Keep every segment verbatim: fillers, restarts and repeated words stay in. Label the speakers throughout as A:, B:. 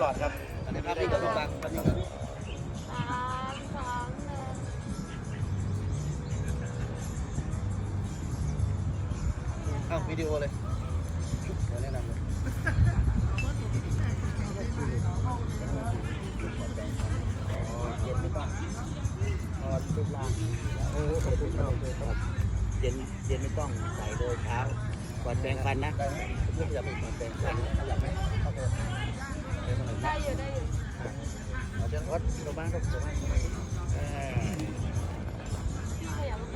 A: อดครับอันนี้ภาพนิ่งกับลูกบางภาพนิ่งกับ
B: สามสองหนึ่ง
A: อ้าววิดีโอเลยเดี๋ยวแนะนำเลยเย็นไม่ต้องนอนรูปร่างเออเย็นเย็นไม่ต้องใส่เลยเช้าก่อนแปรงฟันนะเพื่อจะเป็นก่อนแปรงฟันอยากไหมโอเค
B: ได้อยู่ได้อยู่
A: เอาเดี๋ยววัดตัวบ้านก็ตัวบ้านข
B: ยับไป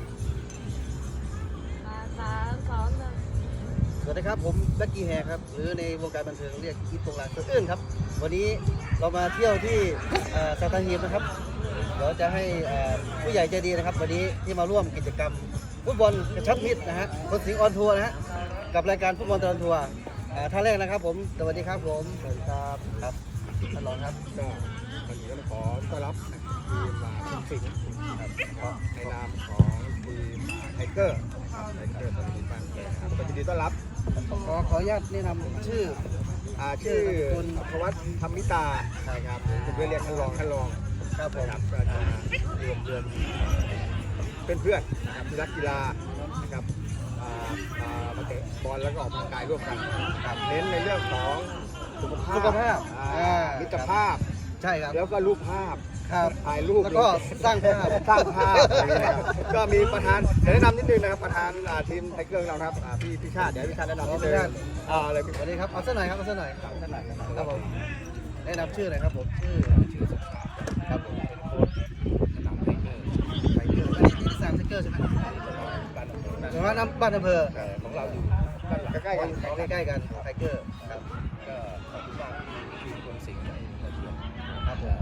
B: มาสามสองหนึ่ง
A: สวัสดีครับผมแบ็คกี้แฮร์ครับหรือในวงการบันเทิงเรียกคิดตรงหลังตัวอื่นครับวันนี้เรามาเที่ยวที่สัตหีบนะครับเดี๋ยวจะให้ผู้ใหญ่ใจดีนะครับวันนี้ที่มาร่วมกิจกรรมฟุตบอลกระชับมิตรนะฮะคนสิงห์ออนทัวร์นะฮะกับรายการฟุตบอลตลอดทัวร์ท่านแรกนะครับผมสวัสดีครับผมสวัสดีครับครับท่านรองครับ
C: ก็วันนี้ก็ขอต้อนรับทีมคนสิงห์ในนามของทีมไทเกอร์ไทเกอร์ตอนนี้บ้านแก่ครับก็ยินดีต้อนรับ
A: ขอขออนุญาตแนะนำชื่อ
C: อ่าชื่อคุณพวัฒน์ธรรมิตาใช่ครับเป็นเพื่อนเรียกท่านรองท่านรอง
A: ครับผม
C: ครับก็จะรวมเดือนเป็นเพื่อนนะครับที่รักกีฬานะครับมาเตะบอลแล้วก็ออกกำลังกายร่วมกันครับเน้นในเรื่องของสุขภาพ
A: สุขภาพ
C: มิตรภาพ
A: ใช่ครับ
C: แล้วก็รูปภาพ
A: ครับ
C: ถ่ายรูป
A: แล้วก็สร้างภาพ
C: สร้างภาพก็มีประธานเดี๋ยวแนะนำนิดนึงนะครับประธานทีมไทเกอร์เราครับพี่พิชาติเดี๋ยวพิชาติแนะนำนิดนึงอ่าเลย
A: สวัสดีครับเอาสักหน่อยครับเอาสักหน่อย
C: สักหน่อย
A: ครับผมแนะนำชื่อหน่อยครับผมชื่อชื่อสุขภาพครับผมสนามไทเกอร์ไทเกอร์อันนี้ที่สร้างไทเกอร์ใช่ไหมแต่ว่าน้ำบ้านอำเภอ
C: ของเราอยู่ใกล้ๆกัน
A: ใกล้ๆกันไทเกอร์ครับ
C: ก็ขอบคุณมากทีมคนสิงห์มาเชียร์
A: ครับผม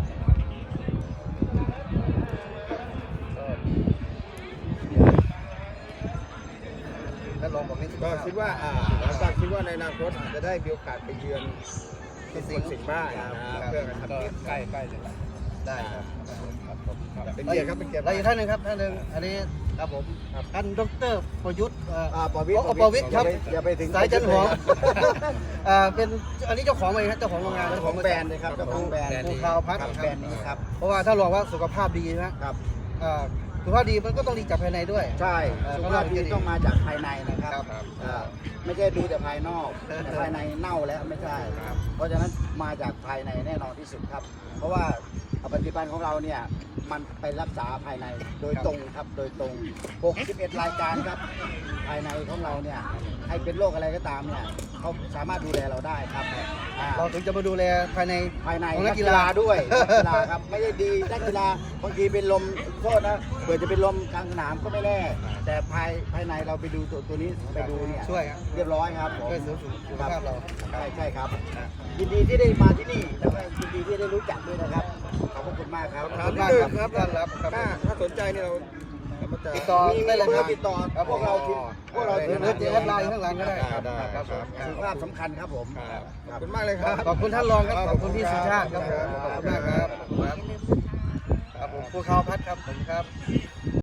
A: แล้วลองบอกให้
C: ก็คิดว่าอ่าแล้วก็คิดว่าในอนาคตอาจจะได้มีโอกาสไปเยือนที่สิงห์สิงห์บ้างนะเพื่อกันทำทีมใกล้ใกล้เลย
A: ได้ครับ
C: เป็นเกียรติครับเป็นเกียรติ
A: แล้วอีกท่านหนึ่งครับท่านหนึ่งอันนี้ครับผมท่านดร.ประยุทธ์
C: อ่าประวิตร
A: ประวิตรครับ
C: อย่าไปถึง
A: สายจันหอมอ่าเป็นอันนี้เจ้าของเลยครับเจ้าของโรงงาน
C: เจ้าของแบรนด์เลยครับเจ้าของแบรนด์
A: ภูเขาพัด
C: แบรนด์นี้ครับ
A: เพราะว่าถ้าลองว่าสุขภาพดีนะครับสุขภาพดีมันก็ต้องดีจากภายในด้วย
C: ใช่สุขภาพดีต้องมาจากภายในนะครับไม่ใช่ดูแต่ภายนอกแต่ภายในเน่าแล้วไม่ใช่เพราะฉะนั้นมาจากภายในแน่นอนที่สุดครับเพราะว่าปัจจุบันของเราเนี่ยมันไปรักษาภายในโดยตรงครับโดยตรงหกสิบเอ็ดรายการครับภายในของเราเนี่ยใครเป็นโรคอะไรก็ตามเนี่ยเขาสามารถดูแลเราได้ครับ
A: เราถึงจะมาดูแลภายใน
C: ภายในนักกีฬาด้วยนักกีฬาครับไม่ได้ดีนักกีฬาบางทีเป็นลมโทษนะเผื่อจะเป็นลมกลางสนามก็ไม่แน่แต่ภายภายในเราไปดูตัวตัวนี้ไปดูเนี่ย
A: ช่วย
C: เรียบร้อยครับ
A: ช่วยเสริมสุขภาพเรา
C: ใช่ใช่ครับยินดีที่ได้มาที่นี่แล้วก็ยินดีที่ได้รู้จักด้วยนะครับขอบคุณมากครับ
A: ขอบคุณมากครับท่านรับ
C: ถ้าถ้าสนใจเนี่ยเรา
A: ติดต่อได้เลยครับ
C: ติดต่อพวกเราทีมพวกเราทีม
A: หรือจะแอดไลน์ข้างหลังก็ได้
C: ครับครับสุขภาพสำคัญครับผมขอบคุณมากเลยครับ
A: ขอบคุณท่านรองครับขอบคุณพี่สุชาติครับขอบคุณมากครับครับผมภูเขาพัดครับผมครับ